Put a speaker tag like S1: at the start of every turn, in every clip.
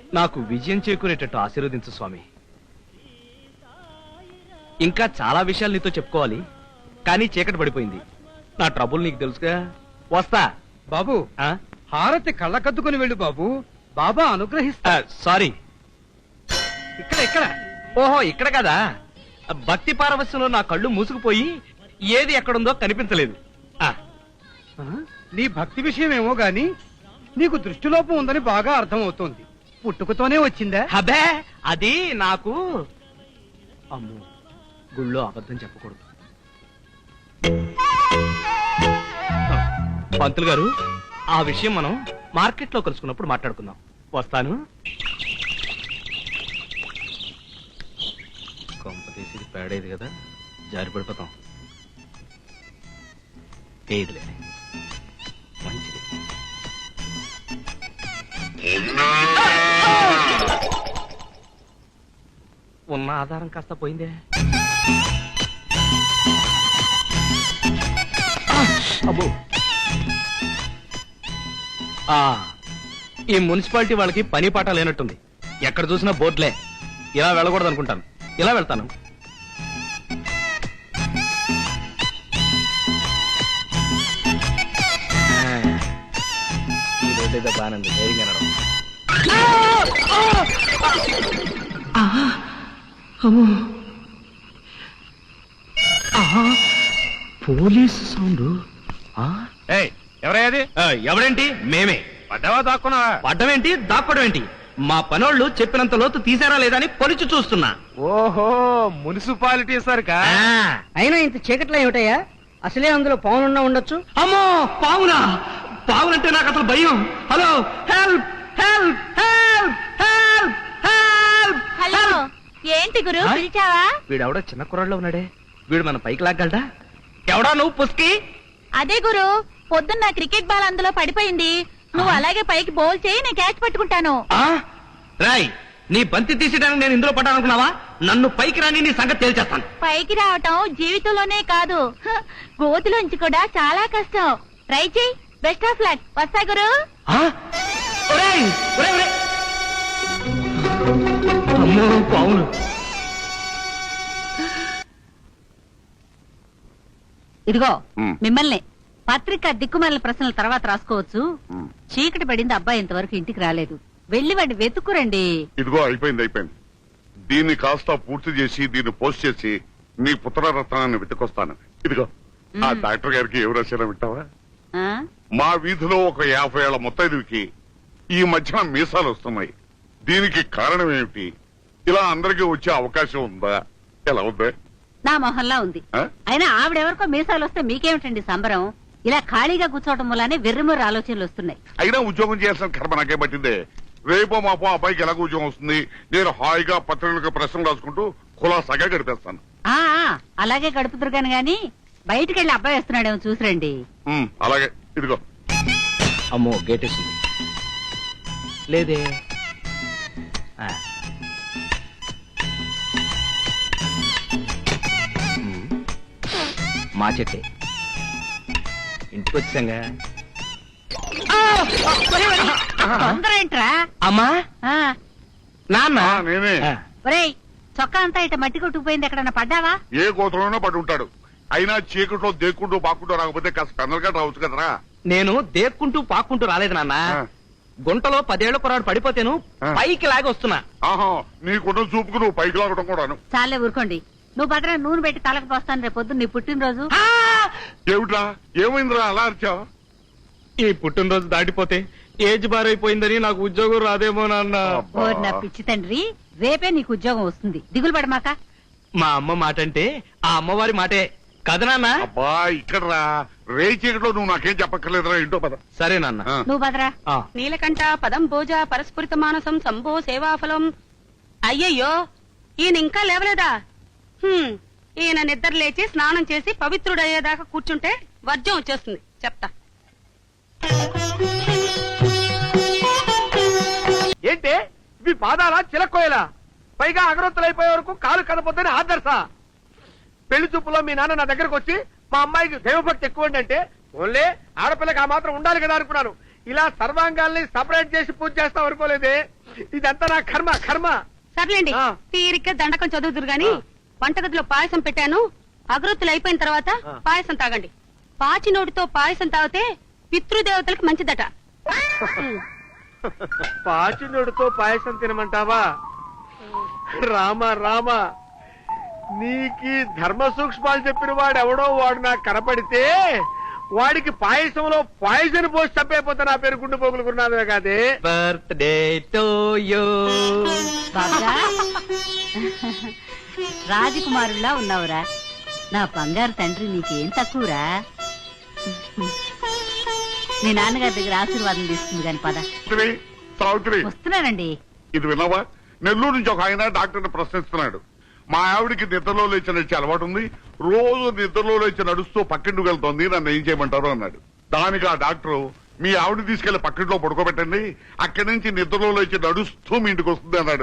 S1: నాకు విజయం చేకూరేటట్టు ఆశీర్వదించు స్వామి. ఇంకా చాలా విషయాలు నీతో చెప్పుకోవాలి, కానీ చీకటి పడిపోయింది. నా ట్రబుల్ నీకు తెలుసుగా. వస్తా
S2: బాబు. హారతి కళ్ళకద్దుకుని వెళ్ళు బాబు, బాబా అనుగ్రహిస్తా.
S1: సారీ,
S2: ఇక్కడ.
S1: ఓహో ఇక్కడ కదా. భక్తి పారవస్యంలో నా కళ్ళు మూసుకుపోయి ఏది ఎక్కడుందో కనిపించలేదు.
S2: నీ భక్తి విషయమేమో గాని నీకు దృష్టిలోపం ఉందని బాగా అర్థమవుతోంది. పుట్టుకతోనే వచ్చిందా?
S1: అబే అది నాకు. అమ్మో, గుళ్ళో అబద్ధం చెప్పకూడదు. పంతులు గారు, ఆ విషయం మనం మార్కెట్ లో కలుసుకున్నప్పుడు మాట్లాడుకుందాం. వస్తాను. కొంప తీసి పేడేది కదా, జారి పడిపోతాం. ఏదిలే, మంచిది. ఉన్న ఆధారం కాస్త పోయిందే. అబ్బో, ఈ మున్సిపాలిటీ వాళ్ళకి పని పాట లేనట్టుంది. ఎక్కడ చూసినా బోర్డులే. ఇలా వెళ్ళకూడదు అనుకుంటాను, ఇలా వెళ్తాను. ఈ రోడ్డు ఏదో బాగానే ధైర్యంగా నడవ. Police sound.
S3: ఎవరయ్యది?
S1: ఎవరేంటి? మేమే.
S3: పడ్డావా దాక్కున్నావా?
S1: పడ్డమేంటి, దాక్కోవడం ఏంటి? మా పనోళ్ళు చెప్పినంత లోతు తీసారా లేదా అని పొలిచి చూస్తున్నా.
S3: ఓహో, మున్సిపాలిటీ సరికా?
S4: అయినా ఇంత చీకట్లో ఏమిటయ్యా? అసలే అందులో పావునున్నా ఉండొచ్చు.
S1: అమ్మో, పావునా? పావులంటే నాకు అసలు భయం. Hello, help help help help help.
S5: Hello, ఏంటి గురు పిలిచావా?
S1: వీడెవడో చిన్న కుర్రాళ్ళలో ఉన్నాడే, వీడు మన పైకి లాగలడా? ఎవడా నువ్వు పుస్కి?
S5: అదే గురు, పొద్దున్న క్రికెట్ బాల్ అందులో పడిపోయింది. నువ్వు అలాగే పైకి బౌల్ చేయి, నేను క్యాచ్ పట్టుకుంటాను.
S1: రాయ్, నీ బంతి తీసేయడానికి నేను ఇందులో పడ్డానుకున్నావా? నన్ను పైకి రాని నీ సంగతి తేల్చేస్తాను.
S5: పైకి రావటం జీవితంలోనే కాదు, గోతిలోంచి కూడా చాలా కష్టం. ట్రై చేయి. Best of luck. వస్తా గురు.
S1: అమ్మో, పావును.
S4: ఇదిగో మిమ్మల్ని పత్రిక దిక్కుమాలిన ప్రశ్నల తర్వాత రాసుకోవచ్చు. చీకటి పడింది, అబ్బాయి ఇంతవరకు ఇంటికి రాలేదు. వెళ్లి వాడిని వెతుక్కురండి.
S6: ఇదిగో అయిపోయింది. దీన్ని కాస్త పూర్తి చేసి దీన్ని పోస్ట్ చేసి నీ పుత్రరత్నాన్ని వెతుకొస్తాను. ఇదిగో ఆ డాక్టర్ గారికి ఎవరు రాశారో వింటావా? మా వీధిలో ఒక 50 ఏళ్ల ముత్తైదుకి ఈ మధ్యన మీసాలు వస్తున్నాయి. దీనికి కారణం ఏమిటి? ఇలా అందరికీ వచ్చే అవకాశం ఉందా? ఎలా ఉందా?
S4: నా మొహల్లా ఉంది. అయినా ఆవిడెవరికో మీసాలు వస్తే మీకేమిటండి సంబరం? ఇలా ఖాళీగా కూర్చోవటం వల్లనే వెర్రిమొర్రి ఆలోచనలు వస్తున్నాయి.
S6: అయినా ఉద్యోగం చేయాల్సిన కర్మ నాకే పట్టిందే. రేపో మాపో అబ్బాయికి ఎలాగో ఉద్యోగం వస్తుంది. నేను హాయిగా పత్రికలకు ప్రశ్నలు రాసుకుంటూ కులాసాగా గడిపేస్తాను.
S4: అలాగే గడుపుతురు గాని బయటికి వెళ్ళి అబ్బాయి వస్తున్నాడేమో చూసిరండి.
S6: అలాగే. ఇదిగో.
S1: అమ్మో, గేట్ వేసింది లేదే. మా చెట్టే. ఇంటికి వచ్చాంగా.
S4: తొందర ఏంట్రా?
S1: అమ్మా, నాన్న.
S6: నేనే.
S4: ఒరేయ్, చొక్కా అంతా ఇట మట్టి కొట్టుకుపోయింది. ఎక్కడన్నా పడ్డావా?
S6: ఏ గోత్రంలోనో పడి ఉంటాడు. అయినా చీకట్లో దేక్కుంటూ పాక్కుంటూ రాకపోతే కాస్త పెందలుగా రావచ్చు కదరా.
S1: నేను దేక్కుంటూ పాక్కుంటూ రాలేదు నాన్న. గుంటలో 10 ఏళ్ల కుర్రాడు పడిపోతేను పైకి లాగి వస్తున్నా.
S6: ఆహా, నీకున్న చూపుకు నువ్వు పైకి లాగడం కూడాను.
S4: చాలే ఊరుకోండి. నువ్వు భద్ర నూనె పెట్టి తలకు పోస్తాను రేపు పొద్దున్న నీ పుట్టినరోజు.
S6: ఏమిట్రా, ఏమైందిరా అలా అరిచావు?
S1: ఈ పుట్టినరోజు దాటిపోతే ఏజ్ బారైపోయిందని నాకు ఉద్యోగం రాదేమో నాన్న.
S4: నా పిచ్చి తండ్రి, రేపే నీకు ఉద్యోగం వస్తుంది, దిగులు పడమాక.
S1: మా అమ్మ మాట అంటే ఆ అమ్మవారి మాటే కదా నాన్న.
S6: అబ్బా, ఇక్కడ రా. రే చీకట్లో నువ్వు నాకేం చెప్పక్కర్లేదురా. ఇంటో పద.
S1: సరే నాన్న.
S4: నువ్వు భద్రా.
S7: నీలకంఠ పదం భోజ పరస్ఫురిత మానసం సంభో సేవాఫలం. అయ్యయ్యో, ఈయన ఇంకా లేవలేదా? ఈయన నిద్ర లేచి స్నానం చేసి పవిత్రుడయ్యేదాకా కూర్చుంటే వర్జం వచ్చేస్తుంది. చెప్తా.
S2: ఏంటి ఇవి? పాదాలా చిలక్కోయలా? పైగా అగరొత్తులైపోయే వరకు కాలు కదపొద్దని ఆదర్శ. పెళ్లి చూపులో మీ నాన్న నా దగ్గరకు వచ్చి మా అమ్మాయికి దైవభక్తి ఎక్కువ అంటే ఓన్లే ఆడపిల్లకి ఆ మాత్రం ఉండాలి కదా అనుకున్నాను. ఇలా సర్వాంగాల్ని సపరేట్ చేసి పూజ చేస్తాం అనుకోలేదే. ఇదంతా నా కర్మ కర్మ.
S7: సర్లేండి
S2: ఆ.
S7: తీరిగ్గా దండకం చదువుతురు గాని
S2: ఆ.
S7: వంటగదిలో పాయసం పెట్టాను. అగరొత్తులు అయిపోయిన తర్వాత
S2: ఆ.
S7: పాయసం తాగండి. పాచి నోటితో పాయసం తాగితే పితృదేవతలకు మంచిదట.
S2: పాచినోడుతో పాయసం తినమంటావా? రామ రామ, నీకి ధర్మ సూక్ష్మాలు చెప్పిన వాడు ఎవడో వాడు నాకు కనపడితే వాడికి పాయసంలో పాయసం పోసి చంపైపోతే నా పేరు గుండు పోగులుకున్నదే కాదే.
S1: Birthday to you.
S4: బాగా రాజకుమారుల్లా ఉన్నావురా నా బంగారు తండ్రి. నీకేం తక్కువరా? మీ నాన్నగారి దగ్గర ఆశీర్వాదం తీసుకుంది కాని పద.
S6: సావిత్రి,
S4: వస్తున్నానండి.
S6: ఇది విన్నావా? నెల్లూరు నుంచి ఒక ఆయన డాక్టర్ని ప్రశ్నిస్తున్నాడు. మా ఆవిడికి నిద్రలో లేచి నడిచే అలవాటు ఉంది, రోజు నిద్రలో లేచి నడుస్తూ పక్కింటికి వెళ్తోంది, నన్ను ఏం చేయమంటారు అన్నాడు. దానికి ఆ డాక్టర్, మీ ఆవిడ తీసుకెళ్లి పక్కింట్లో పడుకోబెట్టండి, అక్కడి నుంచి నిద్రలో లేచి నడుస్తూ మీ ఇంటికి వస్తుంది అన్నాడు.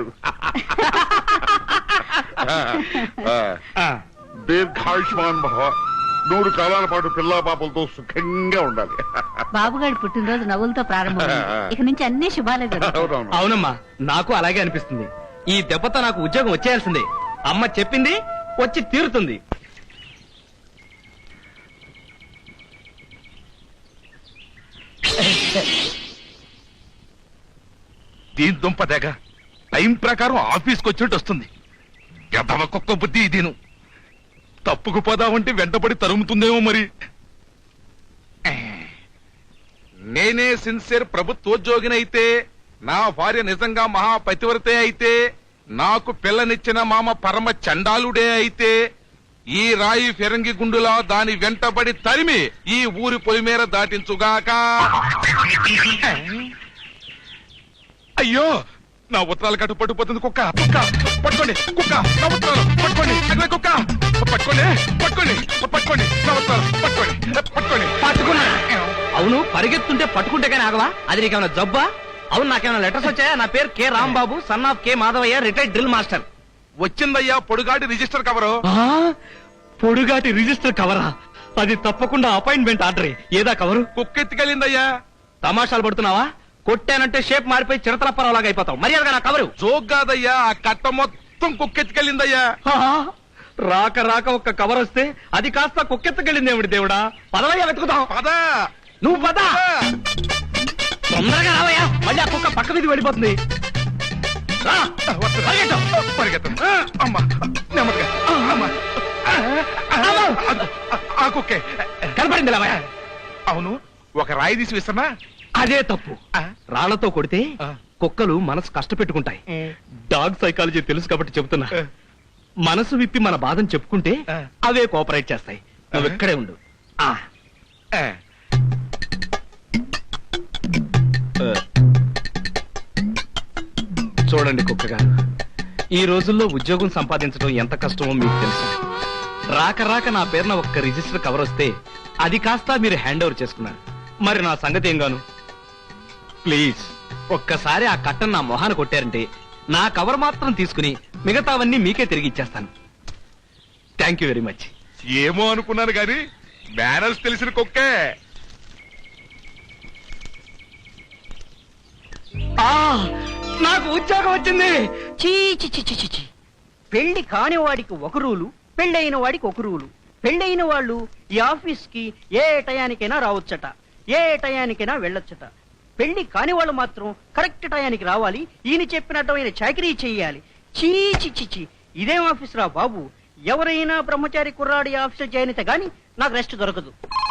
S6: దీర్ఘాయుష్మాన్ భవ, 100 కాలాల పాటు పిల్లా పాపలతో సుఖంగా ఉండాలి.
S4: బాబుగాడి పుట్టినరోజు నవ్వులతో ప్రారంభమైంది. ఇక నుంచి అన్ని శుభాలే జరుగుతాయి.
S6: అవునవును.
S1: అవునమ్మా, నాకు అలాగే అనిపిస్తుంది. ఈ దెబ్బతో నాకు ఉద్యోగం వచ్చేయాల్సిందే. అమ్మ చెప్పింది వచ్చి తీరుతుంది.
S3: దీని దుంప తెగ టైం ప్రకారం ఆఫీస్కి వచ్చినట్టు వస్తుంది. గదవ కుక్క బుద్ధి ఇదేను. తప్పుకుపోదామంటే వెంటబడి తరుముతుందేమో మరి. నేనే సిన్సియర్ ప్రభుత్వోద్యోగినైతే, నా భార్య నిజంగా మహాపతివ్రతే అయితే, నాకు పిల్లనిచ్చిన మామ పరమ చండాలుడే అయితే, ఈ రాయి ఫిరంగి గుండులా దాని వెంటబడి తరిమి ఈ ఊరి పొలిమేర దాటించుగాక. అయ్యో, నా ఉత్తరాలు కట్టు పట్టుకుపోతుంది. కుక్క కుక్క పట్టుకోండి, కుక్క నా ఉత్తరాలు పట్టుకోండి, అగ్ని కుక్క పట్టుకోండి, పట్టుకోండి, పట్టుకోండి, నా ఉత్తరాలు పట్టుకోండి, పట్టుకోండి.
S1: పట్టుకున్నా. అవును, పరిగెత్తుంటే పట్టుకుంటే కానీ ఆగవా? అది నీకేమైనా జబ్బా? అవును, నాకేమైనా లెటర్స్ వచ్చాయా? నా పేరు K Rambabu, son of K Madhavayya, retired drill master.
S3: వచ్చిందయ్యా పొడుగాటి రిజిస్టర్ కవరు.
S1: పొడుగాటి రిజిస్టర్ కవరా? అది తప్పకుండా అపాయింట్మెంట్ ఆర్డర్. ఏదా కవరు?
S3: కుక్కెత్తికెళ్ళిందయ్యా.
S1: తమాషాలు పడుతున్నావా? కొట్టానంటే షేప్ మారిపోయి చిరతలప్పరావులాగా అయిపోతావు. మర్యాదగా నా కవరు.
S3: జోక్ కాదయ్యా, ఆ కట్ట మొత్తం కుక్కెత్తికెళ్ళిందయ్యా.
S1: రాక రాక ఒక్క కవర్ వస్తే అది కాస్త కుక్కెత్తకెళ్ళిందేమిటి దేవుడా? పదవయ్యా, వెతుకుతాం.
S3: పద
S1: నువ్వు పద, తొందరగా రావయ్యా. మళ్ళీ ఆ కుక్క పక్క మీద వెళ్ళిపోతుంది. రా, పరిగెత్తు.
S3: పరిగెత్తం. అమ్మా, నెమ్మదిగా. అమ్మా, ఆ కుక్కే
S1: కనపడింది రావయ్యా.
S3: అవును, ఒక రాయి తీసి విసన్నా.
S1: అదే తప్పు. రాళ్లతో కొడితే కుక్కలు మనసు కష్టపెట్టుకుంటాయి. డాగ్ సైకాలజీ తెలుసు కాబట్టి చెబుతున్నా. మనసు విప్పి మన బాధను చెప్పుకుంటే అవే కోఆపరేట్ చేస్తాయి. నువ్వు ఇక్కడే ఉండు. చూడండి కుక్క గారు, ఈ రోజుల్లో ఉద్యోగం సంపాదించడం ఎంత కష్టమో మీకు తెలుసు. రాక రాక నా పేరున ఒక్క రిజిస్టర్ కవర్ వస్తే అది కాస్త మీరు హ్యాండ్ ఓవర్ చేసుకున్నారు. మరి నా సంగతి ఏం గాను? ప్లీజ్ ఒక్కసారి ఆ కట్టను నా మొహాన కొట్టారంటే నా కవర్ మాత్రం తీసుకుని మిగతావన్నీ మీకే తిరిగి ఇచ్చేస్తాను. Thank you very much.
S3: ఏమో అనుకున్నాను గాని మేనర్స్ తెలిసిన కుక్కే.
S1: నాకు ఉద్యోగం వచ్చింది.
S8: చీ చీ చీ చీ చీ చీ. పెళ్లి కాని వాడికి ఒక రూలు, పెళ్ళైన వాడికి ఒక రూలు. పెళ్ళైన వాళ్ళు ఈ ఆఫీస్ కి ఏ టయానికైనా రావచ్చట, ఏ టయానికైనా వెళ్ళొచ్చట. పెళ్లి కాని వాళ్ళు మాత్రం కరెక్ట్ టయానికి రావాలి, ఈయన చెప్పినట్టు ఆయన చాకరీ చెయ్యాలి. చీ చీ చీ చీ. ఇదేం ఆఫీస్ రా బాబు? ఎవరైనా బ్రహ్మచారి కుర్రాడి ఆఫీస్ జాయిన్ అయితే గాని నాకు రెస్ట్ దొరకదు.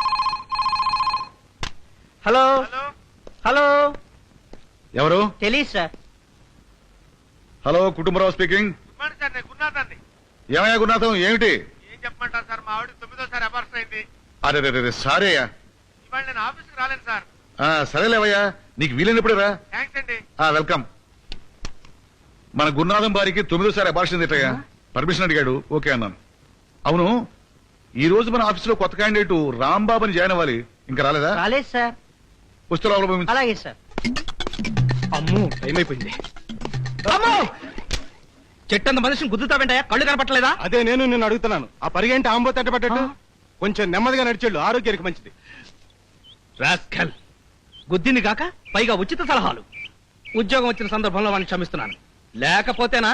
S8: హలో హలో,
S3: ఎవరు?
S8: తెలీదు sir.
S3: Hello, Kutumbarao speaking.
S2: Sir, నేను గున్నాథాన్ని.
S3: ఏమయ్యా గురునాథం, ఏమిటి?
S2: ఏం చెప్పమంటారు సార్, మా ఆవిడ 9వ అబార్షన్ అయింది.
S3: అరే సారీ అయ్యా.
S2: ఇవాళ నేను ఆఫీస్కి రాలేను సార్.
S3: సరేలేవయ్యా, నీకు వీలైనప్పుడే రా.
S2: థ్యాంక్స్ అండి.
S3: వెల్కమ్. మన గురునాథం బారికి 9వ అబార్షన్ తిట్టయ్యా. పర్మిషన్ అడిగాడు, ఓకే అన్నాను. అవును, ఈ రోజు మన ఆఫీసులో కొత్త క్యాండిడేట్ రాంబాబుని జాయిన్ అవ్వాలి, ఇంకా రాలేదా?
S8: రాలేదు సార్.
S3: పుస్తకాలు పంపించు.
S8: అలాగే సార్.
S1: అమ్మో, టైం అయిపోయింది. అమ్మో, చెట్టంత మనిషిని గుద్దుతావేంటయ్యా? కళ్ళు కనపట్టలేదా?
S3: అదే నేను నిన్ను అడుగుతున్నాను. ఆ పరిగెంటి ఆంబో తట్టబట్టట్టు కొంచెం నెమ్మదిగా నడిచేళ్ళు, ఆరోగ్యానికి మంచిది.
S1: రాస్కల్, గుద్దింది కాక పైగా ఉచిత సలహాలు. ఉద్యోగం వచ్చిన సందర్భంలో వాడిని క్షమిస్తున్నాను, లేకపోతేనా.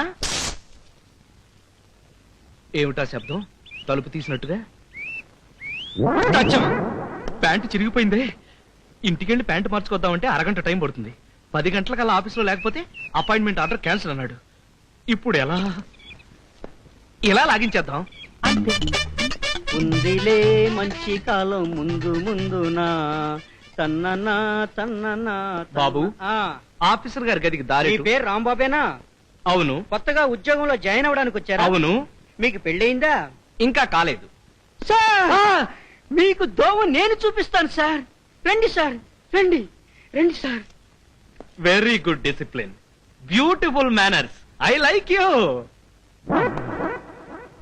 S1: ఏమిటా శబ్దం? తలుపు తీసినట్టుగా. అచ్చం! ప్యాంటు చిరిగిపోయిందే. ఇంటికెళ్ళి ప్యాంటు మార్చుకొద్దామంటే అరగంట టైం పడుతుంది. 10 గంటలకల్లా ఆఫీసులో లేకపోతే అపాయింట్మెంట్ ఆర్డర్ క్యాన్సిల్ అన్నాడు. ఇప్పుడు ఎలా? ఎలా లాగించేద్దాం?
S8: అంతే. ఉందిలే మంచి కాలం ముందు ముందునా తన్ననా తన్ననా.
S1: బాబు,
S8: ఆ,
S1: ఆఫీసర్ గారి గదికి దారి
S8: మీ
S1: ఎటు?
S8: పేరు రాంబాబేనా?
S1: అవును.
S8: కొత్తగా ఉద్యోగంలో జాయిన్ అవ్వడానికి వచ్చారా?
S1: అవును.
S8: మీకు పెళ్ళయిందా?
S1: ఇంకా కాలేదు.
S8: సార్, మీకు దోవ నేను చూపిస్తాను సార్. రండి సార్, రండి రండి sir.
S1: Very good discipline, beautiful manners. I like you.